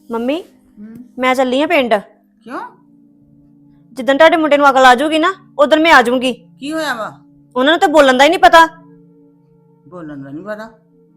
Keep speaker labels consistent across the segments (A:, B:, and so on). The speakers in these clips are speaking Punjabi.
A: ਮੰਮੀ ਮੈਂ ਚੱਲੀ ਆ ਪਿੰਡ।
B: ਕਿਉਂ?
A: ਜਿੱਦਣ ਤੁਹਾਡੇ ਮੁੰਡੇ ਨੂੰ ਅਕਲ ਆ ਜਾਊਗੀ ਨਾ ਉਦੋਂ ਮੈਂ ਆ ਜਾਊਂਗੀ।
B: ਕੀ ਹੋਇਆ ਵਾ?
A: ਉਹਨਾਂ ਨੂੰ ਤਾਂ ਬੋਲਣ ਦਾ ਹੀ ਨਹੀਂ ਪਤਾ।
B: ਬੋਲਣ ਦਾ ਨਹੀਂ ਪਤਾ?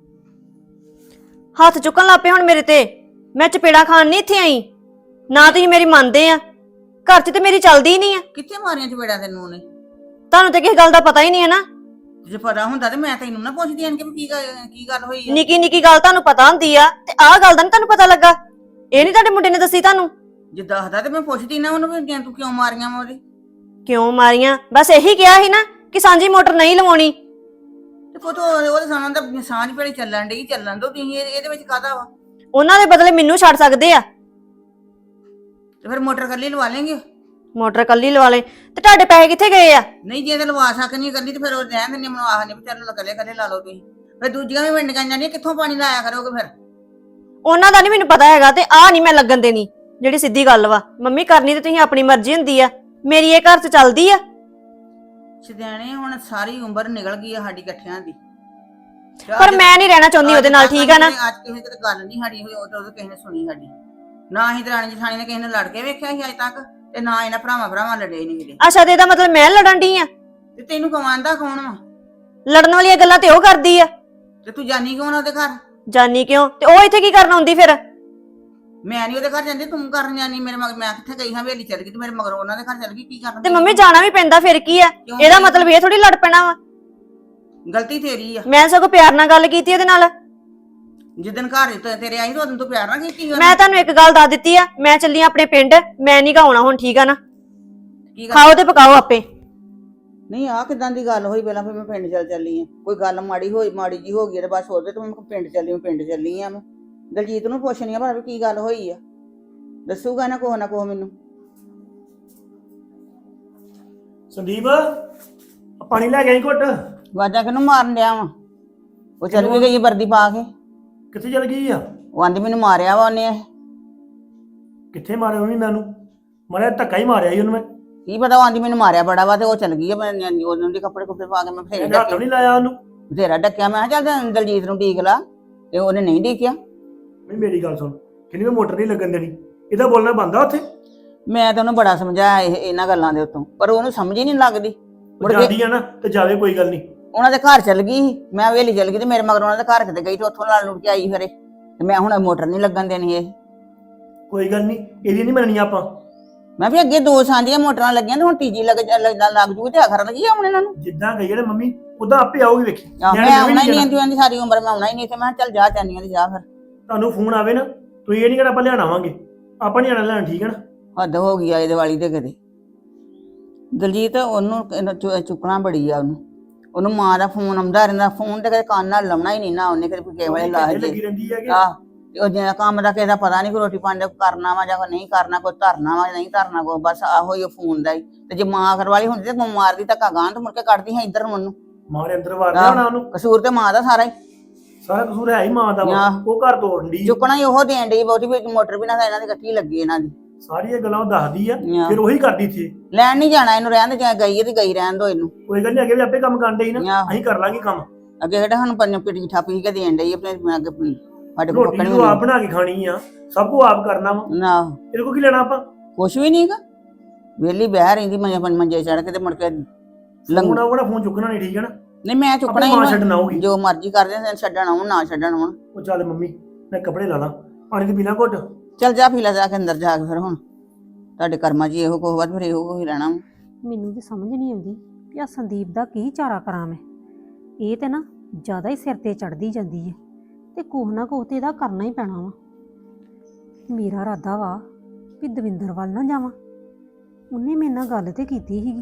A: ਹੱਥ ਚੁੱਕਣ ਲੱਗ ਪਏ ਹੁਣ ਮੇਰੇ ਤੇ। ਮੈਂ ਚਪੇੜਾ ਖਾਣ ਨਹੀਂ ਇੱਥੇ ਆਈ। ਨਾ ਤੁਸੀਂ ਮੇਰੀ ਮੰਨਦੇ ਆ। ਘਰ 'ਚ ਤੇ ਮੇਰੀ ਚੱਲਦੀ ਹੀ ਨਹੀਂ ਆ।
B: ਕਿੱਥੇ ਮਾਰੀਆਂ ਚਪੇੜਾਂ ਤੈਨੂੰ ਨੇ?
A: ਤੁਹਾਨੂੰ ਤੇ ਕਿਸੇ ਗੱਲ ਦਾ ਪਤਾ ਹੀ ਨਹੀਂ ਹੈ ਨਾ।
B: ਜੇ ਪਤਾ ਹੁੰਦਾ ਤੇ ਮੈਂ ਤੈਨੂੰ ਨਾ ਪੁੱਛਦੀ ਆਂ ਕਿ ਕੀ ਗੱਲ ਹੋਈ ਆ।
A: ਨਿੱਕੀ ਨਿੱਕੀ ਗੱਲ ਤੁਹਾਨੂੰ ਪਤਾ ਹੁੰਦੀ ਆ ਤੇ ਆਹ ਗੱਲ ਦਾ ਨਹੀਂ ਤੁਹਾਨੂੰ ਪਤਾ ਲੱਗਾ। ਇਹ ਨਹੀਂ ਤੁਹਾਡੇ ਮੁੰਡੇ ਨੇ ਦੱਸੀ ਤੁਹਾਨੂੰ?
B: ਜੇ ਦੱਸਦਾ ਤੇ ਮੈਂ ਪੁੱਛਦੀ ਨਾ ਉਹਨੂੰ ਵੀ ਤੂੰ ਕਿਉਂ ਮਾਰੀਆਂ ਵਾ ਉਹਦੇ।
A: ਕਿਉਂ ਮਾਰੀਆਂ? ਬਸ ਇਹੀ ਕਿਹਾ ਸੀ ਨਾ ਕਿ ਸਾਂਝੀ ਮੋਟਰ ਨਹੀਂ ਲਵਾਉਣੀ।
B: ਤੇ ਪੁੱਤ ਉਹਦੇ ਸਾਹਮਣੇ ਤਾਂ ਸਾਂਝ ਭੇੜੀ ਚੱਲਣ ਡਈ, ਚੱਲਣ ਦੋ ਤੁਸੀਂ। ਇਹਦੇ ਵਿੱਚ ਕਾਹਦਾ ਵਾ?
A: ਉਹਨਾਂ ਦੇ ਬਦਲੇ ਮੈਨੂੰ ਛੱਡ ਸਕਦੇ ਆ।
B: ਤੇ ਫਿਰ ਮੋਟਰ ਕੱਲੀ ਲਵਾ ਲੈਂਗੇ।
A: ਮੋਟਰ ਕੱਲੀ ਲਵਾ ਲੈ ਤੇ ਤੁਹਾਡੇ ਪੈਸੇ ਕਿੱਥੇ ਗਏ ਆ?
B: ਨਹੀਂ ਜੇ ਤੇ ਲਵਾ ਸਕਣੀ ਕੱਲੀ ਤੇ ਫਿਰ ਉਹ ਰਹਿਣ ਦਿੰਦੇ ਮੈਨੂੰ ਆਖ ਨਹੀਂ ਵੀ ਚੱਲ ਕੱਲੇ ਕੱਲੇ ਲਾ ਲਓ ਤੁਸੀਂ। ਫਿਰ ਦੂਜੀਆਂ ਵੀ ਵੰਡੀਆਂ ਜਾਂਦੀਆਂ, ਕਿੱਥੋਂ ਪਾਣੀ ਲਾਇਆ ਕਰੋਗੇ ਫਿਰ?
A: ਉਹਨਾਂ ਦਾ ਨਹੀਂ ਮੈਨੂੰ ਪਤਾ ਹੈਗਾ ਤੇ ਆਹ ਨਹੀਂ ਮੈਂ ਲੱਗਣ ਦੇਣੀ ਜਿਹੜੀ ਸਿੱਧੀ ਗੱਲ ਵਾ। ਮੰਮੀ ਕਰਨੀ ਤੇ ਤੁਸੀਂ ਆਪਣੀ ਮਰਜ਼ੀ ਹੁੰਦੀ ਆ, ਮੇਰੀ ਇਹ ਘਰ 'ਚ ਚੱਲਦੀ ਆ।
B: ਸਿਧਿਆਣੇ ਹੁਣ ਸਾਰੀ ਉਮਰ ਨਿਕਲ ਗਈ ਆ ਸਾਡੀ ਇਕੱਠਿਆਂ ਦੀ।
A: ਪਰ ਮੈਂ ਨਹੀਂ ਰਹਿਣਾ ਚਾਹੁੰਦੀ ਉਹਦੇ ਨਾਲ, ਠੀਕ ਆ ਨਾ?
B: ਅੱਜ ਕਿਸੇ ਤੇ ਗੱਲ ਨਹੀਂ ਸਾਡੀ ਹੋਈ, ਉਦੋਂ ਕਿਸੇ ਨੇ ਸੁਣੀ ਸਾਡੀ। ਨਾ ਹੀ ਦਰਾਣੀ ਜਠਾਣੀ ਨੇ ਕਿਸੇ ਨੇ ਲੜ ਕੇ ਵੇਖਿਆ ਸੀ ਅੱਜ ਤੱਕ, ਤੇ ਨਾ ਇਹਨਾਂ ਭਰਾਵਾਂ ਲੜੇ ਨਹੀਂ ਕਿਤੇ।
A: ਅੱਛਾ ਤੇ ਇਹਦਾ ਮਤਲਬ ਮੈਂ ਲੜਨ ਡਈ ਆ?
B: ਤੇ ਤੈਨੂੰ ਕਮਾਂਦਾ ਕੌਣ ਵਾ?
A: ਲੜਨ ਵਾਲੀਆਂ ਗੱਲਾਂ ਤੇ ਉਹ ਕਰਦੀ ਆ।
B: ਤੇ ਤੂੰ ਜਾਨੀ ਕਿਉਂ ਨਾ ਉਹਦੇ ਘਰ?
A: ਜਾਨੀ ਕਿਉਂ? ਤੇ ਉਹ ਇੱਥੇ ਕੀ ਕਰਨ ਆਉਂਦੀ ਫਿਰ?
B: ਮੈਂ ਨਹੀਂ ਉਹਦੇ ਘਰ ਜਾਂਦੀ, ਤੂੰ ਕਰਨ ਜਾਨੀ ਮੇਰੇ ਮਗਰ। ਮੈਂ ਕਿੱਥੇ ਗਈ ਹਾਂ? ਹਵੇਲੀ ਚੱਲ ਗਈ ਤੇ ਮੇਰੇ ਮਗਰ ਉਹਨਾਂ ਦੇ ਘਰ ਚੱਲ ਗਈ, ਕੀ ਕਰਨ?
A: ਤੇ ਮੰਮੀ ਜਾਣਾ ਵੀ ਪੈਂਦਾ, ਫਿਰ ਕੀ ਆ? ਇਹਦਾ ਮਤਲਬ ਇਹ ਥੋੜੀ ਲੜ ਪੈਣਾ ਵਾ।
B: ਗਲਤੀ ਤੇਰੀ ਆ।
A: ਮੈਂ ਸਗੋਂ ਪਿਆਰ ਨਾਲ ਗੱਲ ਕੀਤੀ ਉਹਦੇ ਨਾਲ।
B: ਜਿੱਦਣ ਘਰ ਤੇਰੇ ਆਈ ਉਦੋਂ ਤੂੰ ਪਿਆਰ ਨਾਲ ਕੀਤੀ।
A: ਮੈਂ ਤੁਹਾਨੂੰ ਇੱਕ ਗੱਲ ਦੱਸ ਦਿੱਤੀ ਆ, ਮੈਂ ਚੱਲੀ ਆਪਣੇ ਪਿੰਡ। ਮੈਂ ਨਹੀਂ ਗਾਉਣਾ ਹੁਣ, ਠੀਕ ਆ ਨਾ? ਖਾਓ ਤੇ ਪਕਾਓ ਆਪੇ।
B: ਨਹੀਂ ਆਹ ਕਿਦਾਂ ਦੀ ਗੱਲ ਹੋਈ? ਪਹਿਲਾਂ ਫਿਰ ਮੈਂ ਪਿੰਡ ਚੱਲੀ ਆ। ਕੋਈ ਗੱਲ ਮਾੜੀ ਜੀ ਹੋ ਗਈ ਤੇ ਬਸ ਉਹਦੇ ਤੋਂ ਮੈਂ ਪਿੰਡ ਚੱਲੀ ਆ। ਮੈਂ ਦਲਜੀਤ ਨੂੰ ਪੁੱਛਣੀ ਆ ਪਰ ਕੀ ਗੱਲ ਹੋਈ ਆ, ਦੱਸੂਗਾ ਨਾ ਕੋਹ ਮੈਨੂੰ।
C: ਸੰਦੀਪ ਪਾਣੀ ਲੈ ਗਈ ਘੁੱਟ।
B: ਵਾਜਾਂ ਕਿਹਨੂੰ ਮਾਰਨ ਡਿਆ ਵਾ? ਉਹ ਚੱਲ ਵੀ ਗਈ ਵਰਦੀ ਪਾ ਕੇ।
C: ਕਿੱਥੇ ਚਲ ਗਈ ਆ?
B: ਉਹ ਆਂਦੀ ਮੈਨੂੰ ਮਾਰਿਆ ਵਾ ਉਹਨੇ।
C: ਕਿੱਥੇ ਮਾਰਿਆ ਉਹਨੇ? ਮੈਨੂੰ ਮਾਰਿਆ, ਧੱਕਾ ਹੀ ਮਾਰਿਆ ਸੀ ਉਹਨੂੰ ਮੈਂ।
B: ਕੀ ਪਤਾ, ਉਹ ਆਂਦੀ ਮੈਨੂੰ ਮਾਰਿਆ ਬੜਾ ਵਾ ਤੇ ਉਹ ਚੱਲ ਗਈ ਆ। ਮੈਂ ਉਹਨਾਂ ਦੇ ਕੱਪੜੇ ਪਾ ਕੇ ਮੈਂ ਫੇਰ
C: ਹੱਥ ਨਹੀਂ ਲਾਇਆ ਉਹਨੂੰ?
B: ਬਥੇਰਾ ਡੱਕਿਆ। ਮੈਂ ਕਿਹਾ ਚੱਲ ਦਲਜੀਤ ਨੂੰ ਡੀਕ ਲਾ, ਤੇ ਉਹਨੇ ਨਹੀਂ ਡੀਕਿਆ।
C: ਨਹੀਂ ਮੇਰੀ ਗੱਲ ਸੁਣ, ਕਿੰਨੀ ਮੈਂ ਮੋਟਰ ਨਹੀਂ ਲੱਗਣ ਦੇਣੀ। ਇਹਦਾ ਬੋਲਣਾ ਬੰਦਾ ਉੱਥੇ।
B: ਮੈਂ ਤਾਂ ਉਹਨੂੰ ਬੜਾ ਸਮਝਾਇਆ ਇਹਨਾਂ ਗੱਲਾਂ ਦੇ ਉੱਤੋਂ, ਪਰ ਉਹਨੂੰ ਸਮਝ ਹੀ ਨਹੀਂ ਲੱਗਦੀ।
C: ਜਾਂਦੀ ਆ ਨਾ ਤੇ ਜਾਵੇ, ਕੋਈ ਗੱਲ ਨਹੀਂ।
B: ਉਹਨਾਂ ਦੇ ਘਰ ਚੱਲ ਗਈ ਸੀ, ਮੈਂ ਹਵੇਲੀ ਚੱਲ ਗਈ ਤੇ ਮੇਰੇ ਮਗਰ ਉਹਨਾਂ ਦੇ ਘਰ ਕਿਤੇ ਗਈ ਤੇ ਉੱਥੋਂ ਲੜ ਲੁੜ ਕੇ ਆਈ ਫਿਰੇ। ਤੇ ਮੈਂ ਹੁਣ ਮੋਟਰ ਨਹੀਂ ਲੱਗਣ ਦੇਣੀ। ਇਹ
C: ਕੋਈ ਗੱਲ ਨਹੀਂ, ਇਹਦੀ ਨਹੀਂ ਮੰਨਣੀ ਆਪਾਂ।
B: ਮੈਂ ਵੀ ਅੱਗੇ 2 ਸਾਂਝੀਆਂ ਮੋਟਰਾਂ ਲੱਗੀਆਂ ਤੇ ਹੁਣ ਤੀਜੀ ਲੱਗ ਜੂਗੀ ਤੇ ਆਖਰ ਲੱਗੀ ਆਉਣ ਇਹਨਾਂ ਨੂੰ।
C: ਜਿੱਦਾਂ ਗਈ ਨਾ ਮੰਮੀ ਉਦਾਂ ਆਪੇ ਆਊਗੀ, ਵੇਖੀ।
B: ਮੈਂ ਆਉਣਾ ਹੀ ਨਹੀਂ ਆਂਦੀ ਸਾਰੀ ਉਮਰ ਮੈਂ ਆਉਣਾ ਹੀ ਨਹੀਂ। ਤੇ ਮੈਂ ਚੱਲ ਜਾ ਚਾਨੀਆਂ ਤੇ ਜਾ ਫਿਰ।
C: ਤੁਹਾਨੂੰ ਫੋਨ ਆਵੇ ਨਾ, ਤੁਸੀਂ ਇਹ ਨਹੀਂ ਕਹਿਣਾ ਆਪਾਂ ਲਿਆਣ ਆਵਾਂਗੇ। ਆਪਾਂ ਨਹੀਂ ਆਣਾ ਲੈਣ, ਠੀਕ ਹੈ ਨਾ?
B: ਹੱਦ ਹੋ ਗਈ ਆ ਇਹਦੇ ਵਾਲੀ ਤੇ ਕਿਤੇ। ਦਲਜੀਤ ਉਹਨੂੰ ਚੁੱਕਣਾ ਬੜੀ ਆ ਉਹਨੂੰ ਮਾਂ ਦਾ ਫੋਨ ਆਉਂਦਾ ਰਹਿੰਦਾ। ਫੋਨ ਤੇ ਕਦੇ ਕੰਨ ਨਾਲ ਲਾਉਣਾ ਹੀ ਨਹੀਂ ਨਾ ਉਹਨੇ, ਕਦੇ ਕਿਸੇ ਵੇਲੇ ਲਾ
C: ਲੱਗੀ ਰਹਿੰਦੀ ਹੈ ਕਿ
B: ਤੇ ਉਹ ਜਿਹੜਾ ਕੰਮ ਦਾ ਕਿਸੇ ਦਾ ਪਤਾ ਨਹੀਂ, ਕੋਈ ਰੋਟੀ ਪਾਣੀ ਦਾ ਕਰਨਾ ਵਾ ਜਾਂ ਕੋਈ ਨਹੀਂ ਕਰਨਾ, ਕੋਈ ਧਰਨਾ ਵਾ ਨਹੀਂ ਧਰਨਾ, ਕੋਈ ਬਸ ਆਹੋ ਹੀ ਫੋਨ ਦਾ ਹੀ। ਤੇ ਜੇ ਮਾਂ ਕਰਵਾਲੀ ਹੁੰਦੀ ਤੇ ਮਾਰਦੀ ਧੱਕਾ ਗਾਂ ਤੇ ਮੁੜ ਕੇ ਕੱਢਦੀ ਹੈ ਇੱਧਰ ਮੈਨੂੰ।
C: ਮਾਰੇ ਅੰਦਰ ਵਾਰਦਾ ਹੋਣਾ ਉਹਨੂੰ।
B: ਕਸੂਰ ਤੇ ਮਾਂ ਦਾ ਸਾਰਾ ਹੀ।
C: ਸਾਰਾ ਕਸੂਰ ਹੈ ਹੀ ਮਾਂ ਦਾ ਵਾ। ਉਹ ਘਰ ਤੋੜਨ ਦੀ
B: ਚੁੱਕਣਾ ਹੀ ਉਹ ਦੇਣ ਡਈ ਬਹੁਤੀ ਵੀ। ਮੋਟਰ ਵੀ ਨਾ ਇਹਨਾਂ ਦੀ ਇਕੱਠੀ ਲੱਗੀ ਇਹਨਾਂ ਦੀ।
C: ਸਾਰੀਆਂ ਗੱਲਾਂ ਉਹ ਦੱਸਦੀ ਆ, ਫਿਰ ਉਹੀ ਕਰਦੀ ਸੀ।
B: ਲੈਣ ਨਹੀਂ ਜਾਣਾ ਇਹਨੂੰ, ਰਹਿਣ ਦੇ ਚਾਹੇ ਗਈ ਤੇ ਗਈ ਰਹਿਣ ਦੋ ਇਹਨੂੰ।
C: ਕੋਈ ਗੱਲ ਨਹੀਂ, ਅੱਗੇ ਵੀ ਆਪੇ ਕੰਮ ਕਰਨ ਡਈ ਨਾ, ਅਸੀਂ ਕਰ ਲਾਂਗੇ ਕੰਮ।
B: ਅੱਗੇ ਕਿਹੜਾ ਹੁਣ ਪਿੱਟੀ ਠਾਪੀ ਕੇ ਦੇਣ ਡਈ ਆਪਣੇ ਅੱਗੇ ਸਾਡੇ ਕੋਲ।
C: ਰੋਟੀ ਨੂੰ ਆਪ ਬਣਾ ਕੇ ਖਾਣੀ ਆ, ਸਭ ਕੁਝ ਆਪ ਕਰਨਾ ਵਾ
B: ਨਾ।
C: ਇਹਦੇ ਕੋਲ ਕੀ ਲੈਣਾ ਆਪਾਂ?
B: ਕੁਛ ਵੀ ਨਹੀਂਗਾ, ਵਿਹਲੀ ਬਹਿ ਰਹਿੰਦੀ ਮੰਜੇ ਚੜ ਕੇ ਤੇ ਮੁੜ ਕੇ
C: ਲੰਗਣਾ ਉਹਦਾ ਫੋਨ ਚੁੱਕਣਾ ਨਹੀਂ, ਠੀਕ ਹੈ ਨਾ?
B: ਨਹੀਂ ਮੈਂ ਚੁੱਕਣਾ
C: ਹੀ,
B: ਜੋ ਮਰਜ਼ੀ ਕਰਦੇ ਛੱਡਣ ਆਉਣ ਨਾ ਛੱਡਣ ਆਉਣ।
C: ਉਹ ਚੱਲ ਮੰਮੀ ਮੈਂ ਕੱਪੜੇ ਲਾ ਲਾਂ, ਪਾਣੀ ਤੇ ਪੀਣਾ ਘੁੱਟ।
B: ਚੱਲ ਜਾ ਪੀ ਲੈ ਜਾ ਕੇ ਅੰਦਰ ਜਾ ਕੇ। ਫਿਰ ਹੁਣ ਤੁਹਾਡੇ ਕਰਮਾਂ 'ਚ ਇਹੋ ਕੁਛ ਬਾਅਦ ਫਿਰ ਇਹੋ ਕੁਛ ਰਹਿਣਾ।
D: ਮੈਨੂੰ ਤੇ ਸਮਝ ਨਹੀਂ ਆਉਂਦੀ ਕਿ ਆ ਸੰਦੀਪ ਦਾ ਕੀ ਚਾਰਾ ਕਰਾਂ ਮੈਂ। ਇਹ ਤੇ ਨਾ ਜ਼ਿਆਦਾ ਹੀ ਸਿਰ ਤੇ ਚੜਦੀ ਜਾਂਦੀ ਹੈ ਤੇ ਕੋਹ ਨਾ ਕੋਹ ਤੇ ਇਹਦਾ ਕਰਨਾ ਹੀ ਪੈਣਾ ਵਾ। ਮੇਰਾ ਇਰਾਦਾ ਵਾ ਵੀ ਦਵਿੰਦਰ ਵੱਲ ਨਾ ਜਾਵਾਂ। ਉਹਨੇ ਮੇਰੇ ਨਾਲ ਗੱਲ ਤੇ ਕੀਤੀ ਸੀਗੀ